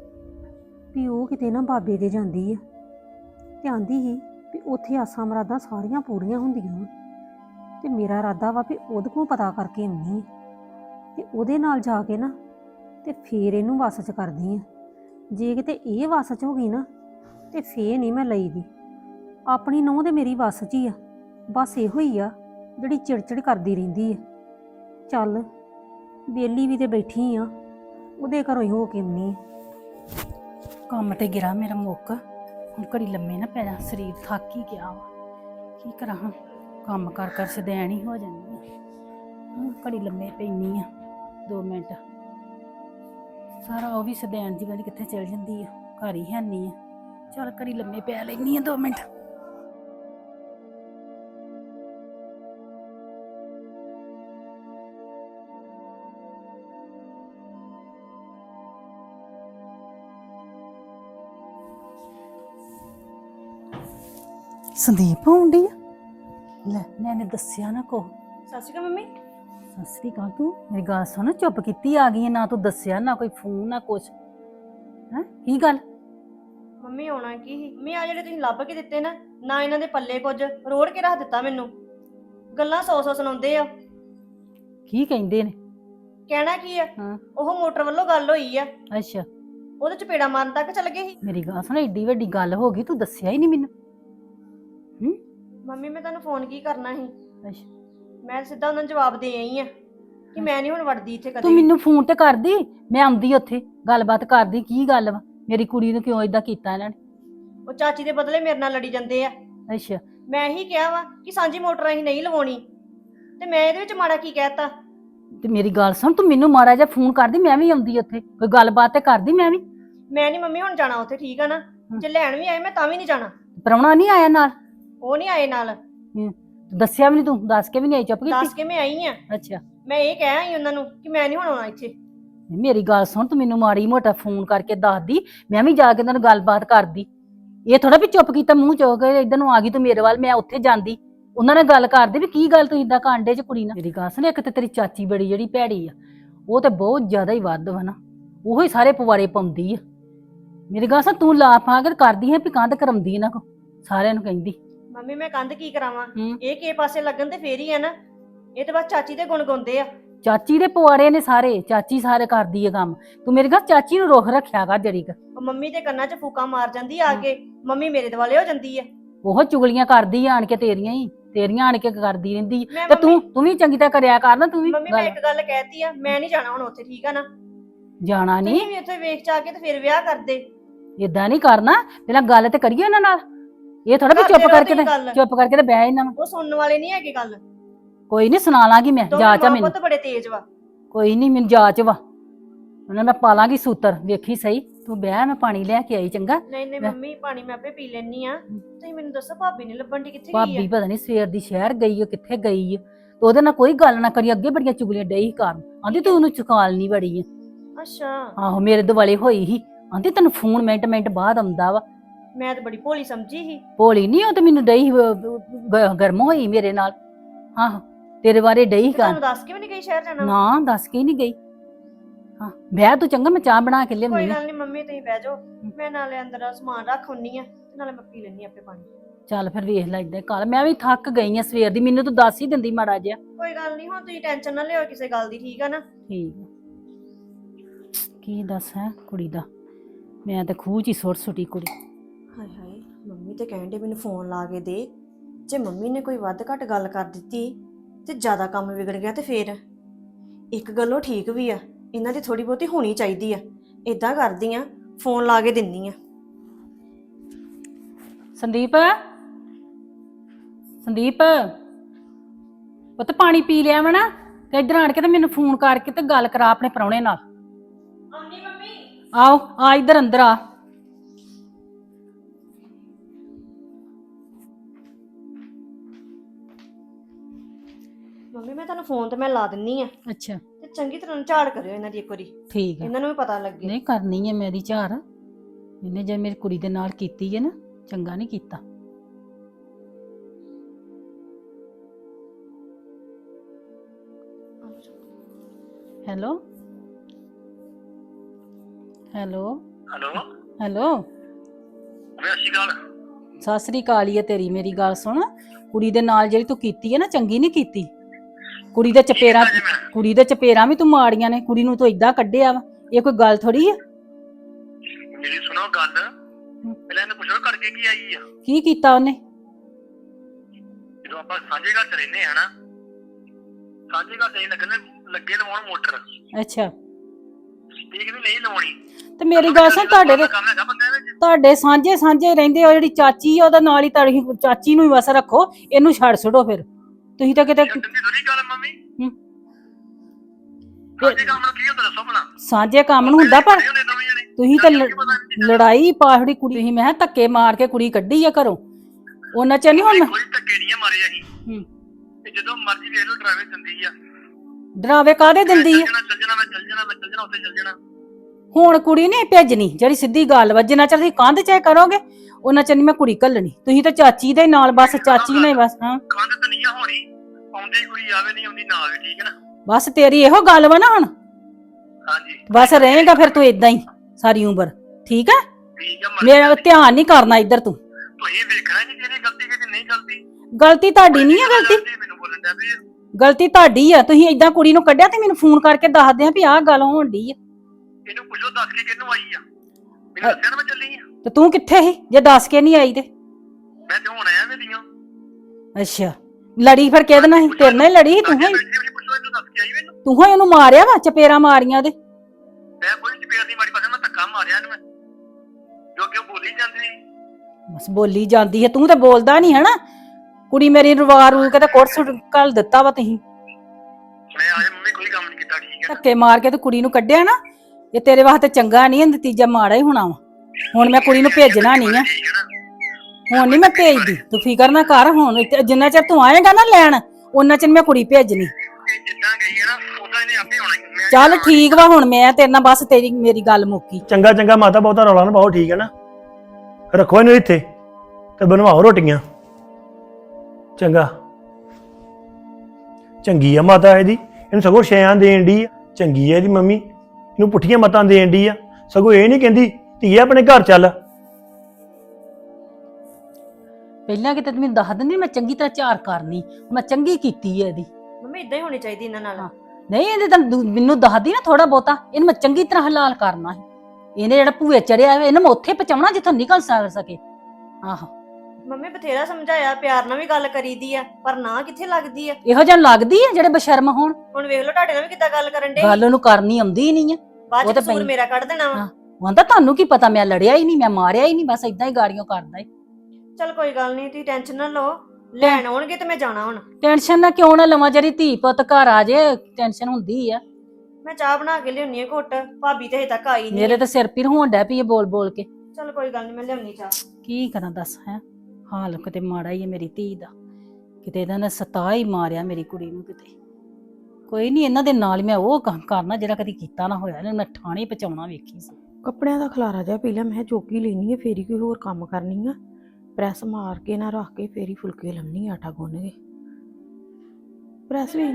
D: ਵੀ ਉਹ ਕਿਤੇ ਨਾ ਬਾਬੇ ਦੇ ਜਾਂਦੀ ਹੈ ਤੇ ਆਂਦੀ ਸੀ ਵੀ ਉੱਥੇ ਆਸਾਂ ਮੁਰਾਦਾਂ ਸਾਰੀਆਂ ਪੂਰੀਆਂ ਹੁੰਦੀਆਂ। ਤੇ ਮੇਰਾ ਇਰਾਦਾ ਵਾ ਵੀ ਉਹਦੇ ਕੋਲ ਪਤਾ ਕਰਕੇ ਆਉਣੀ ਤੇ ਉਹਦੇ ਨਾਲ ਜਾ ਕੇ ਨਾ ਤੇ ਫੇਰ ਇਹਨੂੰ ਵੱਸ 'ਚ ਕਰਦੀ ਆ। ਜੇ ਕਿਤੇ ਇਹ ਵੱਸ 'ਚ ਹੋ ਗਈ ਨਾ ਤੇ ਫੇਰ ਨਹੀਂ ਮੈਂ ਲਈ ਦੀ। ਆਪਣੀ ਨੂੰਹ ਤੇ ਮੇਰੀ ਵੱਸ 'ਚ ਹੀ ਆ, ਬਸ ਇਹੋ ਹੀ ਆ ਜਿਹੜੀ ਚਿੜਚਿੜ ਕਰਦੀ ਰਹਿੰਦੀ ਹੈ। ਚੱਲ ਬੇਲੀ ਵੀ ਤੇ ਬੈਠੀ ਆ, ਉਹਦੇ ਘਰੋਂ ਹੀ ਹੋ ਕੇ ਆਉਣੀ। ਕੰਮ ਤੇ ਗਿਰਾ ਮੇਰਾ ਮੁੱਕ, ਹੁਣ ਘੜੀ ਲੰਮੇ ਨਾ ਪੈ ਜਾ, ਸਰੀਰ ਥੱਕ ਹੀ ਗਿਆ ਵਾ। ਕੀ ਕਰਾਂ, ਕੰਮ ਕਰ ਕਰ ਸਦੈਣ ਹੀ ਹੋ ਜਾਂਦੀ ਆ।
E: ਘੜੀ ਲੰਮੇ ਪੈਣੀ ਆ 2 ਮਿੰਟ। ਸਾਰਾ ਉਹ ਵੀ ਸਦੈਣ ਜੀ ਵਾਲੀ ਕਿੱਥੇ ਚਲ ਜਾਂਦੀ ਆ, ਘਰ ਹੀ ਹੈ ਨਹੀਂ ਆ। ਚੱਲ ਘੜੀ ਲੰਮੇ ਪੈ ਲੈਣੀ ਆ 2 ਮਿੰਟ। ਸੰਦੀਪ ਆਉਂਦੀ ਆ ਲੈ, ਮੈਨੇ ਦੱਸਿਆ ਨਾ ਕੋ।
A: ਸਤਿ ਸ਼੍ਰੀ ਅਕਾਲ ਮੰਮੀ।
E: ਸਤਿ ਸ੍ਰੀ ਅਕਾਲ। ਤੂੰ ਮੇਰੀ ਗੱਲ ਸੁਣ, ਚੁੱਪ ਕੀਤੀ ਆ ਗਈ ਹੈ, ਨਾ ਤੂੰ ਦੱਸਿਆ ਨਾ ਕੋਈ ਫੋਨ ਨਾ ਕੁਛ। ਹੈ ਕੀ ਗੱਲ?
A: ਮੰਮੀ ਆਉਣਾ ਕੀ ਸੀ? ਮੰਮੀ ਆ ਜਿਹੜੇ ਤੁਸੀਂ ਲੱਭ ਕੇ ਦਿੱਤੇ ਨਾ ਇਹਨਾਂ ਦੇ ਪੱਲੇ ਕੁਝ ਰੋੜ ਕੇ ਰੱਖ ਦਿੱਤਾ ਮੈਨੂੰ। ਗੱਲਾਂ 100 ਸੁਣਾਉਂਦੇ ਆ।
E: ਕੀ ਕਹਿੰਦੇ ਨੇ?
A: ਕਹਿਣਾ ਕੀ ਆ?
E: ਹਾਂ
A: ਉਹ ਮੋਟਰ ਵੱਲੋਂ ਗੱਲ ਹੋਈ ਆ,
E: ਅੱਛਾ,
A: ਉਹਦੇ ਚਪੇੜਾ ਮਾਰਨ ਤੱਕ ਚੱਲ ਗਏ ਸੀ।
E: ਮੇਰੀ ਗੱਲ ਸੁਣ, ਏਡੀ ਵੱਡੀ ਗੱਲ ਹੋ ਗਈ, ਤੂੰ ਦੱਸਿਆ ਹੀ ਨਹੀਂ ਮੈਨੂੰ।
A: ਮੰਮੀ ਮੈਂ ਤੁਹਾਨੂੰ ਫੋਨ ਕੀ ਕਰਨਾ ਸੀ,
E: ਅੱਛਾ,
A: ਮੈਂ ਸਿੱਧਾ ਉਹਨਾਂ ਨੂੰ ਜਵਾਬ ਦੇ ਆਈ ਆ ਕਿ ਮੈਂ ਨਹੀਂ ਹੁਣ ਵੜਦੀ ਇੱਥੇ
E: ਤੂੰ
A: ਕਦੇ।
E: ਮੈਨੂੰ ਫੋਨ ਤੇ ਕਰਦੀ, ਮੈਂ ਆਉਂਦੀ ਉੱਥੇ ਗੱਲਬਾਤ ਕਰਦੀ। ਕੀ ਗੱਲ ਵਾ? ਮੇਰੀ ਕੁੜੀ ਨੂੰ ਕਿਉਂ ਏਦਾਂ ਕੀਤਾ ਇਹਨਾਂ ਨੇ?
A: ਉਹ ਚਾਚੀ ਦੇ ਬਦਲੇ ਮੇਰੇ ਨਾਲ ਲੜੀ ਜਾਂਦੇ ਆ।
E: ਅੱਛਾ,
A: ਮੈਂ ਹੀ ਕਿਹਾ ਵਾ ਕਿ ਸਾਂਝੀ ਮੋਟਰ ਅਸੀਂ ਨਹੀਂ ਲਵਾਉਣੀ, ਤੇ ਮੈਂ ਇਹਦੇ ਵਿੱਚ ਮਾੜਾ ਕੀ ਕਹਿਤਾ?
E: ਤੇ ਮੇਰੀ ਗੱਲ ਸੁਣ, ਤੂੰ ਮੈਨੂੰ ਮਾੜਾ ਜਿਹਾ ਫੋਨ ਕਰਦੀ, ਮੈਂ ਵੀ ਆਉਂਦੀ ਉੱਥੇ, ਕੋਈ ਗੱਲਬਾਤ ਤੇ ਕਰਦੀ ਮੈਂ ਵੀ।
A: ਮੈਂ ਨਹੀਂ ਮੰਮੀ ਹੁਣ ਜਾਣਾ ਉੱਥੇ, ਠੀਕ ਆ ਨਾ? ਜੇ ਲੈਣ ਵੀ ਆਏ ਮੈਂ ਤਾਂ ਵੀ ਨਹੀਂ ਜਾਣਾ।
E: ਪ੍ਰਾਹੁਣਾ ਨਹੀਂ ਆਇਆ ਨਾਲ?
A: ਉਹ ਨਹੀਂ ਆਏ ਨਾਲ।
E: ਦੱਸਿਆ ਵੀ ਨਹੀਂ ਤੂੰ, ਦੱਸ ਕੇ ਵੀ ਨਹੀਂ ਆਈ, ਚੁੱਪ
A: ਦੱਸ
E: ਕੀਤੀ?
A: ਕੇ ਮੈਂ ਆਈ ਆ।
E: ਅੱਛਾ,
A: ਮੈਂ ਇਹ ਕਹਿ ਆਈ ਉਹਨਾਂ ਨੂੰ ਕਿ ਮੈਂ ਨਹੀਂ ਹੁਣ ਆਉਣਾ ਇੱਥੇ।
E: ਮੇਰੀ ਗੱਲ ਸੁਣ, ਤੂੰ ਮੈਨੂੰ ਮਾੜੀ ਮੋਟਾ ਫੋਨ ਕਰਕੇ ਦੱਸਦੀ, ਮੈਂ ਵੀ ਜਾ ਕੇ ਉਹਨਾਂ ਨਾਲ ਗੱਲਬਾਤ ਕਰਦੀ। ਇਹ ਥੋੜਾ ਵੀ ਚੁੱਪ ਕੀਤਾ ਮੂੰਹ ਚੋ ਕੇ ਇਧਰ ਨੂੰ ਆ ਗਈ ਤੂੰ ਮੇਰੇ ਵੱਲ, ਮੈਂ ਉੱਥੇ ਜਾਂਦੀ ਉਹਨਾਂ ਨਾਲ ਗੱਲ ਕਰਦੀ ਵੀ ਕੀ ਗੱਲ ਤੂੰ ਇਦਾਂ ਕਾਂਡੇ ਚ ਕੁੜੀ ਨਾਲ। ਮੇਰੀ ਗੱਲ ਸੁਣ, ਇੱਕ ਤੇ ਤੇਰੀ ਚਾਚੀ ਬੜੀ ਜਿਹੜੀ ਭੈੜੀ ਆ, ਉਹ ਤੇ ਬਹੁਤ ਜ਼ਿਆਦਾ ਹੀ ਵੱਧ ਵਾ ਨਾ, ਉਹੋ ਹੀ ਸਾਰੇ ਪਵਾੜੇ ਪਾਉਂਦੀ ਆ। ਮੇਰੀ ਗੱਲ ਸੁਣ, ਤੂੰ ਲਾ ਪਾ ਕੇ ਕਰਦੀ ਹੈ ਵੀ ਕੰਧ ਕਰਾਉਂਦੀ ਇਹਨਾਂ ਕੋ, ਸਾਰਿਆਂ ਨੂੰ ਕਹਿੰਦੀ।
A: ਮੰਮੀ ਮੈਂ ਕੰਧ ਕੀ ਕਰਾਵਾਂ?
E: ਹੂੰ।
A: ਇਹ ਕਿਸੇ ਪਾਸੇ ਲੱਗਣ ਤੇ ਫੇਰ ਹੀ ਆ ਨਾ। ਇਹ ਤੇ ਬਸ ਚਾਚੀ ਦੇ ਗੁਣ ਗਾਉਂਦੇ ਆ।
E: ਚਾਚੀ ਦੇ ਪਵਾੜੇ ਨੇ ਸਾਰੇ, ਚਾਚੀ ਸਾਰੇ ਕਰਦੀ ਹੈ ਕੰਮ। ਤੂੰ ਮੇਰੀ ਗੱਲ ਚਾਚੀ ਨੂੰ ਰੁੱਖ ਰੱਖਿਆ ਕਰ ਜਰੀ ਕ।
A: ਉਹ ਮੰਮੀ ਦੇ ਕੰਨਾਂ 'ਚ ਫੂਕਾਂ ਮਾਰ ਜਾਂਦੀ ਆ ਕੇ, ਮੰਮੀ ਮੇਰੇ ਦੁਆਲੇ ਹੋ ਜਾਂਦੀ ਆ।
E: ਉਹ ਚੁਗਲੀਆਂ ਕਰਦੀ ਆਣ ਕੇ ਤੇਰੀਆਂ ਆਣ ਕੇ ਕਰਦੀ ਰਹਿੰਦੀ
A: ਮੈਂ
E: ਤੇ ਤੂੰ ਵੀ ਚੰਗੀ ਤਰ੍ਹਾਂ ਕਰਿਆ ਕਰ ਨਾ। ਤੂੰ ਵੀ
A: ਮੰਮੀ ਮੈਂ ਇੱਕ ਗੱਲ ਕਹਿਤੀ ਆ, ਮੈਂ ਨਹੀਂ ਜਾਣਾ ਹੁਣ ਉੱਥੇ, ਠੀਕ ਆ ਨਾ?
E: ਜਾਣਾ ਨਹੀਂ,
A: ਤੁਸੀਂ ਵੀ ਉੱਥੇ ਵੇਖ ਚਾ ਕੇ ਤੇ ਫਿਰ ਵਿਆਹ ਕਰਦੇ।
E: ਏਦਾਂ ਨਹੀਂ ਕਰਨਾ, ਪਹਿਲਾਂ ਗੱਲ ਤੇ ਕਰੀਏ ਉਹਨਾਂ ਨਾਲ। ਇਹ ਥੋੜਾ ਵੀ
A: ਕਰਦੇ
E: ਚੁੱਪ
A: ਰਹੋ
E: ਕਰਕੇ
A: ਤੁਸੀਂ ਗੱਲ।
E: ਚੁੱਪ ਕਰਕੇ ਤੇ ਬਹਿ ਇਹਨਾਂ।
A: ਉਹ ਸੁਣਨ ਵਾਲੇ ਨਹੀਂ ਹੈਗੇ ਗੱਲ।
E: ਕੋਈ ਨਹੀਂ, ਸੁਣਾ ਲਾਂਗੀ ਮੈਂ, ਜਾਚ ਆ ਮੈਨੂੰ।
A: ਪੁੱਤ ਬੜੇ ਤੇਜ਼ ਵਾ।
E: ਕੋਈ ਨਹੀਂ, ਮੈਨੂੰ ਜਾਚ ਵਾ, ਉਹਨਾਂ ਮੈਂ ਪਾ ਲਾਂਗੀ ਸੂਤਰ, ਵੇਖੀ ਸਹੀ। ਤੂੰ ਬਹਿ, ਮੈਂ ਪਾਣੀ ਲੈ ਕੇ ਆਈ, ਚੰਗਾ?
A: ਨਹੀਂ ਮੰਮੀ, ਪਾਣੀ ਮੈਂ ਆਪੇ ਪੀ ਲੈਣੀ ਆ। ਤੁਸੀਂ ਮੈਨੂੰ ਦੱਸੋ ਭਾਬੀ ਨਹੀਂ ਲੱਭਣ ਦੀ, ਕਿੱਥੇ ਗਈ
E: ਭਾਬੀ
A: ਆ?
E: ਪਤਾ ਨਹੀਂ ਸਵੇਰ ਦੀ ਸ਼ਹਿਰ ਗਈ ਓ ਕਿੱਥੇ ਗਈ ਓ। ਤੇ ਉਹਦੇ ਨਾਲ ਕੋਈ ਗੱਲ ਨਾ ਕਰੀ, ਅੱਗੇ ਬੜੀਆਂ ਚੁਗਲੀਆਂ ਡਈ ਕਰਨ। ਆਂਦੀ ਤੂੰ ਉਹਨੂੰ ਚੁਕਾਲ ਨਹੀਂ ਬੜੀ ਆ।
A: ਅੱਛਾ,
E: ਆਹੋ, ਮੇਰੇ ਦੁਆਲੇ ਹੋਈ ਸੀ, ਆਂਦੀ ਤੈਨੂੰ ਫੋਨ ਮਿੰਟ ਬਾਅਦ ਆਉਂਦਾ ਵਾ।
A: ਮੈਂ ਤਾਂ ਬੜੀ ਭੋਲੀ ਸਮਝੀ ਸੀ।
E: ਭੋਲੀ ਨਹੀਂ, ਉਹ ਤੇ ਮੈਨੂੰ ਡਈ ਗਰਮ ਹੋਈ ਮੇਰੇ ਨਾਲ। ਆਹੋ, ਤੇਰੇ ਬਾਰੇ ਡਈ ਕਰ।
A: ਤੁਹਾਨੂੰ ਦੱਸ ਕੇ ਵੀ ਨਹੀਂ ਗਈ ਸ਼ਹਿਰ ਜਾਣਾ?
E: ਨਾ, ਦੱਸ ਕੇ ਨਹੀਂ ਗਈ। ਹਾਂ, ਬਹਿ ਤੂੰ, ਚੰਗਾ ਮੈਂ ਚਾਹ ਬਣਾ ਕੇ
A: ਕੋਈ
E: ਲਿਆਉਣੀ ਆ।
A: ਗੱਲ ਨਹੀਂ ਮੰਮੀ, ਤੁਸੀਂ ਬਹਿ ਜਾਓ, ਮੈਂ ਨਾਲੇ ਅੰਦਰ ਸਮਾਨ ਰੱਖ ਆਉਣੀ ਆ ਤੇ ਨਾਲੇ ਮੈਂ ਪੀ ਲੈਣੀ ਆਪੇ ਪਾਣੀ।
E: ਚੱਲ ਫਿਰ ਵੇਖ ਲੈ ਏਦਾਂ ਕੱਲ, ਮੈਂ ਵੀ ਥੱਕ ਗਈ ਆ ਸਵੇਰ ਦੀ, ਮੈਨੂੰ ਤੂੰ ਦੱਸ ਹੀ ਦਿੰਦੀ ਮਾੜਾ ਜਿਹਾ।
A: ਕੋਈ ਗੱਲ ਨਹੀਂ, ਹੁਣ ਤੁਸੀਂ ਟੈਨਸ਼ਨ ਨਾ ਲਿਓ ਕਿਸੇ ਗੱਲ ਦੀ, ਠੀਕ ਆ ਨਾ?
E: ਠੀਕ ਆ। ਕੀ ਦੱਸ ਹੈ ਕੁੜੀ ਦਾ, ਮੈਂ ਤੇ ਖੂਹ 'ਚ ਹੀ ਸੁੱਟੀ ਕੁੜੀ।
A: ਹਾਏ ਹਾਏ, ਮੰਮੀ ਤੇ ਕਹਿੰਦੇ ਮੈਨੂੰ ਫੋਨ ਲਾ ਕੇ ਦੇ। ਜੇ ਮੰਮੀ ਨੇ ਕੋਈ ਵੱਧ ਘੱਟ ਗੱਲ ਕਰ ਦਿੱਤੀ ਤੇ ਜ਼ਿਆਦਾ ਕੰਮ ਵਿਗੜ ਗਿਆ ਤੇ ਫੇਰ। ਇੱਕ ਗੱਲੋਂ ਠੀਕ ਵੀ ਆ, ਇਹਨਾਂ ਦੀ ਥੋੜੀ ਬਹੁਤੀ ਹੋਣੀ ਚਾਹੀਦੀ ਆ। ਇਦਾਂ ਕਰਦੀ ਆ, ਫੋਨ ਲਾ ਕੇ ਦਿੰਨੀ ਆ।
E: ਸੰਦੀਪ, ਸੰਦੀਪ ਪੁੱਤ, ਪਾਣੀ ਪੀ ਲਿਆ ਵਾ ਨਾ, ਤੇ ਇੱਧਰ ਆਣ ਕੇ ਤੇ ਮੈਨੂੰ ਫੋਨ ਕਰਕੇ ਤੇ ਗੱਲ ਕਰਾ ਆਪਣੇ ਪ੍ਰਾਹੁਣੇ ਨਾਲ।
A: ਆਂਦੀ ਮੰਮੀ।
E: ਆਓ, ਆ ਇੱਧਰ ਅੰਦਰ ਆ।
A: ਮੰਮੀ ਮੈਂ ਤੁਹਾਨੂੰ ਫੋਨ ਤੇ ਮੈਂ ਲਾ ਦਿੰਨੀ ਆ,
E: ਅੱਛਾ,
A: ਤੇ ਚੰਗੀ ਤਰ੍ਹਾਂ ਝਾੜ ਕਰਿਓ ਇਹਨਾਂ ਦੀ ਇੱਕ ਵਾਰੀ,
E: ਠੀਕ ਹੈ।
A: ਇਹਨਾਂ ਨੂੰ ਵੀ ਪਤਾ ਲੱਗੇ।
E: ਨਹੀਂ, ਕਰਨੀ ਹੈ ਮੇਰੀ ਝਾੜ। ਇਹਨੇ ਜੇ ਮੇਰੀ ਕੁੜੀ ਦੇ ਨਾਲ ਕੀਤੀ ਹੈ ਨਾ, ਚੰਗਾ ਨਹੀਂ ਕੀਤਾ। ਹੈਲੋ ਹੈਲੋ
C: ਹੈਲੋ,
E: ਹੈਲੋ, ਸਤਿ ਸ੍ਰੀ ਅਕਾਲ ਹੀ ਹੈ ਤੇਰੀ। ਮੇਰੀ ਗੱਲ ਸੁਣ, ਕੁੜੀ ਦੇ ਨਾਲ ਜਿਹੜੀ ਤੂੰ ਕੀਤੀ ਹੈ ਨਾ, ਚੰਗੀ ਨਹੀਂ ਕੀਤੀ। ਕੁੜੀ ਦੇ ਚਪੇਰਾਂ ਵੀ ਤੂੰ ਮਾੜੀਆਂ ਨੇ, ਕੁੜੀ ਨੂੰ ਤੂੰ ਏਦਾਂ ਕੱਢਿਆ ਵਾ। ਇਹ ਕੋਈ ਗੱਲ ਥੋੜੀ ਆ।
C: ਮੇਰੀ ਸੁਣੋ ਗੱਲ, ਪਹਿਲਾਂ ਇਹਨੂੰ ਪੁੱਛੋ ਕਰਕੇ ਕੀ ਆਈ ਆ।
E: ਕੀ ਕੀਤਾ ਉਹਨੇ?
C: ਜਦੋਂ ਆਪਾਂ ਸਾਂਝੇ ਘਰ ਚ ਰਹਿੰਦੇ ਆ ਨਾ, ਸਾਂਝੇ ਘਰ ਚ ਲੱਗੇ ਲਵਾਉਣ ਮੋਟਰ,
E: ਅੱਛਾ,
C: ਠੀਕ ਨਹੀਂ ਲਵਾਉਣੀ।
E: ਤੇ ਮੇਰੀ ਗੱਲ ਸੁਣ, ਤੁਹਾਡੇ ਸਾਂਝੇ ਰਹਿੰਦੇ ਹੋ, ਜਿਹੜੀ ਚਾਚੀ ਆ ਉਹਦਾ ਨਾਲ ਹੀ ਚਾਚੀ ਨੂੰ ਹੀ ਵਸ ਰੱਖੋ, ਇਹਨੂੰ ਛੱਡ ਛੱਡੋ। ਫਿਰ ਤੁਸੀਂ ਤਾਂ ਕਿਤੇ
C: ਥੋੜੀ ਗੱਲ ਮੰਮੀ, ਸਾਡੇ ਕੰਮ ਨੂੰ ਕੀ ਹੁੰਦਾ ਦੱਸੋ ਭਲਾ?
E: ਸਾਂਝੇ ਕੰਮ ਨੂੰ ਹੁੰਦਾ ਪਰ
C: ਇਹ ਹੁੰਦੇ ਦੋਵੇਂ ਜਣੇ।
E: ਤੁਸੀਂ ਤਾਂ ਲੜਾਈ ਪਾਹੜੀ ਕੁੜੀ ਸੀ, ਮੈਂ ਕਿਹਾ ਧੱਕੇ ਮਾਰ ਕੇ ਕੁੜੀ ਕੱਢੀ ਆ ਘਰੋਂ, ਉਹਨਾਂ ਚ ਨਹੀਂ ਹੁਣ
C: ਕੋਈ ਧੱਕੇ ਨਹੀਂ ਮਾਰੇ ਅਸੀਂ। ਤੇ ਜਦੋਂ ਮਰਜ਼ੀ ਵੇਖ ਲਓ ਡਰਾਵੇ ਦਿੰਦੀ ਆ।
E: ਡਰਾਵੇ ਕਾਹਦੇ ਦਿੰਦੀ ਆ?
C: ਚੱਲ ਜਾਣਾ, ਮੈਂ ਚੱਲ ਜਾਣਾ, ਮੈਂ ਚੱਲ ਜਾਣਾ, ਉੱਥੇ ਚੱਲ ਜਾਣਾ।
E: ਹੁਣ ਕੁੜੀ ਨੇ ਭੇਜਣੀ ਜਿਹੜੀ ਸਿੱਧੀ ਗੱਲ ਵਾ, ਜਿੰਨਾ ਚਿਰ ਤੁਸੀਂ ਕੰਧ ਚ ਕਰੋਗੇ ਉਹਨਾਂ ਚਿਰ ਨੀ ਮੈਂ ਕੁੜੀ ਘੱਲਣੀ। ਤੁਸੀਂ ਤਾਂ ਚਾਚੀ ਦੇ ਨਾਲ ਬਸ, ਚਾਚੀ ਨੇ ਬਸ। ਹਾਂ
C: ਕੰਧ ਤਾਂ ਨਹੀਂ ਆ ਹੋਣੀ, ਆਉਂਦੀ ਕੁੜੀ ਆਵੇ ਨਹੀਂ ਆਉਂਦੀ ਨਾ ਆਵੇ, ਠੀਕ ਹੈ ਨਾ?
E: ਬਸ ਤੇਰੀ ਇਹੋ ਗੱਲ ਵਾ ਨਾ ਹੁਣ,
C: ਹਾਂਜੀ
E: ਬਸ ਰਹੇਗਾ ਫਿਰ ਤੂੰ ਇਦਾਂ ਹੀ ਸਾਰੀ ਉਮਰ, ਠੀਕ ਹੈ?
C: ਠੀਕ ਆ।
E: ਮੇਰਾ ਧਿਆਨ ਨਹੀਂ ਕਰਨਾ ਇੱਧਰ ਤੂੰ।
C: ਤੁਸੀਂ ਵੇਖਣਾ ਨਹੀਂ ਕਿਹਦੀ ਗਲਤੀ ਕਿਹਦੀ ਨਹੀਂ ਗਲਤੀ।
E: ਗਲਤੀ ਤੁਹਾਡੀ ਨਹੀਂ ਹੈ, ਗਲਤੀ
C: ਮੈਨੂੰ ਬੋਲਣ ਦਾ ਵੀ
E: ਗਲਤੀ ਤੁਹਾਡੀ ਆ। ਤੁਸੀਂ ਏਦਾਂ ਕੁੜੀ ਨੂੰ ਕੱਢਿਆ ਤੇ ਮੈਨੂੰ ਫੋਨ ਕਰਕੇ ਦੱਸਦੇ ਆ ਵੀ ਆਹ ਗੱਲ ਹੋਣ ਡਈ ਆ।
C: ਇਹਨੂੰ ਪੁੱਛੋ ਦੱਸ ਕੇ ਕਿਹਨੂੰ ਆਈ ਆ, ਮੈਨੂੰ ਦੱਸਿਆ ਨਾ ਮੈਂ ਚੱਲੀ ਆ।
E: ਤੇ ਤੂੰ ਕਿੱਥੇ ਸੀ ਜੇ ਦੱਸ ਕੇ ਨਹੀਂ ਆਈ ਤੇ?
C: ਮੈਂ ਤੇ ਹੁਣ ਆਇਆ ਵੇਲੀਆਂ।
E: ਅੱਛਾ, ਲੜੀ ਫਿਰ ਕਿਹਦੇ ਨਾਲ ਸੀ? ਤੇਰੇ ਨਾਲ ਹੀ ਲੜੀ ਸੀ? ਤੂੰ ਹੀ
C: ਪੁੱਛੋ ਇਹਨੂੰ ਦੱਸ ਕੇ ਆਈ ਮੈਨੂੰ।
E: ਤੂੰ ਹੀ ਉਹਨੂੰ ਮਾਰਿਆ ਵਾ, ਚਪੇੜਾ ਮਾਰੀਆਂ ਉਹਦੇ?
C: ਮੈਂ ਕੋਈ ਚਪੇੜ ਨਹੀਂ ਮਾਰੀ, ਬਸ ਮੈਂ ਧੱਕਾ ਮਾਰਿਆ ਇਹਨੂੰ ਮੈਂ, ਜੋ ਕਿ ਉਹ ਬੋਲੀ ਜਾਂਦੀ ਸੀ।
E: ਬਸ ਬੋਲੀ ਜਾਂਦੀ ਹੈ, ਤੂੰ ਤਾਂ ਬੋਲਦਾ ਨਹੀਂ ਹੈ ਨਾ। ਕੁੜੀ ਮੇਰੀ ਰਵਾ ਰੂ ਕੇ ਤੇ ਕੋਟ ਸੁੱਟ ਕੱਲ ਦਿੱਤਾ ਵਾ ਤੁਸੀਂ।
C: ਮੈਂ ਆਏ ਮੰਮੀ ਕੋਈ ਕੰਮ ਨਹੀਂ ਕੀਤਾ, ਠੀਕ ਹੈ?
E: ਧੱਕੇ ਮਾਰ ਕੇ ਤੇ ਕੁੜੀ ਨੂੰ ਕੱਢਿਆ ਨਾ, ਇਹ ਤੇਰੇ ਵਾਸਤੇ ਚੰਗਾ ਨਹੀਂ ਹੈ, ਨਤੀਜਾ ਮਾੜਾ ਹੀ ਹੋਣਾ ਵਾ। ਹੁਣ ਮੈਂ ਕੁੜੀ ਨੂੰ ਭੇਜਣਾ ਨਹੀਂ ਆ, ਹੁਣ ਨਹੀਂ ਮੈਂ ਭੇਜਦੀ, ਤੂੰ ਫਿਕਰ ਨਾ ਕਰ। ਹੁਣ ਜਿੰਨਾ ਚਿਰ ਤੂੰ ਆਏਗਾ ਨਾ ਲੈਣ, ਉਹਨਾਂ ਚਿਰ ਮੈਂ ਕੁੜੀ ਭੇਜਣੀ।
C: ਜਿੱਦਾਂ ਗਈ ਹੈ ਨਾ ਉਦਾਂ ਇਹਨੇ ਆਪੇ ਆਉਣਾ ਹੀ।
E: ਚੱਲ ਠੀਕ ਵਾ, ਹੁਣ ਮੈਂ ਤੇਰੇ ਨਾਲ ਬਸ ਤੇਰੀ ਮੇਰੀ ਗੱਲ ਮੁੱਕੀ।
C: ਚੰਗਾ ਚੰਗਾ ਮਾਤਾ, ਬਹੁਤਾ ਰੌਲਾ ਨਾ ਪਾਓ, ਠੀਕ ਹੈ ਨਾ? ਰੱਖੋ ਇਹਨੂੰ ਇੱਥੇ ਤੇ ਬਣਵਾਓ ਰੋਟੀਆਂ। ਚੰਗਾ, ਚੰਗੀ ਆ ਮਾਤਾ ਇਹਦੀ, ਇਹਨੂੰ ਸਗੋਂ ਸ਼ੈਆਂ ਦੇਣ ਦੀ ਆ। ਚੰਗੀ ਆ ਇਹਦੀ ਮੰਮੀ, ਇਹਨੂੰ ਪੁੱਠੀਆਂ ਮਤਾਂ ਦੇਣ ਦੀ ਆ। ਸਗੋਂ ਇਹ ਨਹੀਂ ਕਹਿੰਦੀ ਧੀਏ ਆਪਣੇ ਘਰ ਚੱਲ।
E: ਪਹਿਲਾਂ ਕਿਤੇ ਤੂੰ ਮੈਨੂੰ ਦੱਸ ਦਿੰਦੀ ਮੈਂ ਚੰਗੀ ਤਰ੍ਹਾਂ ਝਾਰ ਕਰਨੀ, ਮੈਂ ਚੰਗੀ ਕੀਤੀ ਹੈ ਇਹਦੀ।
A: ਮੰਮੀ ਇਦਾਂ ਹੀ ਹੋਣੀ ਚਾਹੀਦੀ ਇਹਨਾਂ ਨਾਲ।
E: ਨਹੀਂ ਇਹਦੇ ਤਾਂ ਮੈਨੂੰ ਦੱਸਦੀ ਨਾ ਥੋੜਾ ਬਹੁਤਾ, ਇਹਨੂੰ ਮੈਂ ਚੰਗੀ ਤਰ੍ਹਾਂ ਹਲਾਲ ਕਰਨਾ ਹੈ। ਇਹਨੇ ਜਿਹੜਾ ਭੂਏ ਚੜਿਆ ਇਹਨੂੰ ਮੈਂ ਉੱਥੇ ਪਹੁੰਚਾਉਣਾ ਜਿੱਥੋਂ ਨਿਕਲ ਸਕੇ। ਆਹੋ
A: ਮੰਮੀ ਬਥੇਰਾ ਸਮਝਾਇਆ, ਪਿਆਰ ਨਾਲ ਵੀ ਗੱਲ ਕਰੀਦੀ ਆ, ਪਰ ਨਾ ਕਿੱਥੇ ਲੱਗਦੀ ਆ।
E: ਇਹੋ ਜਿਹਾ ਲੱਗਦੀ ਹੈ ਜਿਹੜੇ ਬਸ਼ਰਮ ਹੋਣ।
A: ਹੁਣ ਵੇਖ ਲਓ ਤੁਹਾਡੇ ਨਾਲ ਵੀ ਕਿੱਦਾਂ ਗੱਲ ਕਰਨ ਡੇ।
E: ਗੱਲ ਉਹਨੂੰ ਕਰਨੀ ਆਉਂਦੀ ਨਹੀਂ ਆ।
A: ਬਾਅਦ
E: ਉਹ
A: ਚ
E: ਤਾਂ
A: ਕਸੂਰ
E: ਪਈ-
A: ਮੇਰਾ ਕੱਢ ਦੇਣਾ ਵਾ।
E: ਹੁੰਦਾ ਤੁਹਾਨੂੰ ਕੀ ਪਤਾ, ਮੈਂ ਲੜਿਆ ਹੀ ਨਹੀਂ, ਮੈਂ ਮਾਰਿਆ ਹੀ ਨਹੀਂ, ਬਸ ਇਦਾਂ ਹੀ ਗਾੜੀਆਂ ਕਰਦਾ ਏ।
A: ਚਲ ਕੋਈ ਗੱਲ ਨਹੀਂ, ਤੁਸੀਂ ਟੈਨਸ਼ਨ ਨਾ ਲਓ, ਲੈਣ ਆਉਣਗੇ ਤੇ ਮੈਂ ਜਾਣਾ ਹੁਣ।
E: ਟੈਨਸ਼ਨ ਨਾ ਕਿਉਂ ਨਾ ਲਵਾਂ, ਜਿਹੜੀ ਧੀ ਪੁੱਤ ਘਰ ਆ ਜੇ ਟੈਨਸ਼ਨ ਹੁੰਦੀ ਆ।
A: ਮੈਂ ਚਾਹ ਬਣਾ ਕੇ ਲਿਆਉਣੀ ਆ ਘੁੱਟ, ਭਾਬੀ ਤੇ ਹਜੇ ਤੱਕ ਆਈ ਨਹੀਂ।
E: ਮੇਰੇ ਤਾਂ ਸਿਰ ਪੀਰ ਹੋਣ ਡੈ ਪਈ ਬੋਲ ਬੋਲ ਕੇ।
A: ਚਲ ਕੋਈ ਗੱਲ ਨਹੀਂ, ਮੈਂ ਲਿਆਉਣੀ ਚਾਹ।
E: ਕੀ ਕਰਾਂ ਦੱਸ ਹੈ, ਹਾਲ ਕਿਤੇ ਮਾੜਾ ਹੀ ਹੈ ਮੇਰੀ ਧੀ ਦਾ। ਕਿਤੇ ਇਹਨਾਂ ਨੇ ਸਤਾ ਹੀ ਮਾਰਿਆ ਮੇਰੀ ਕੁੜੀ ਨੂੰ ਕਿਤੇ। ਕੋਈ ਨਹੀਂ, ਇਹਨਾਂ ਦੇ ਨਾਲ ਮੈਂ ਉਹ ਕੰਮ ਕਰਨਾ ਜਿਹੜਾ ਕਦੀ ਕੀਤਾ ਨਾ ਹੋਇਆ, ਇਹਨੂੰ ਮੈਂ ਠਾਣੇ ਪਹੁੰਚਾਉਣਾ ਵੇਖੀ ਸੀ।
F: ਕੱਪੜਿਆਂ ਦਾ ਖਲਾਰਾ ਜਿਹਾ ਪਹਿਲਾਂ ਮੈਂ ਚੋਕੀ ਲੈਣੀ ਆ, ਫੇਰ ਹੀ ਕੋਈ ਹੋਰ ਕੰਮ ਕਰਨੀ ਆ। ਪ੍ਰੈਸ ਮਾਰ ਕੇ ਨਾ ਰੱਖ ਕੇ ਫੇਰ ਹੀ ਫੁਲਕੇ ਲਾਉਣੀ, ਆਟਾ ਗੁੰਨ ਕੇ। ਪ੍ਰੈਸ ਵੀ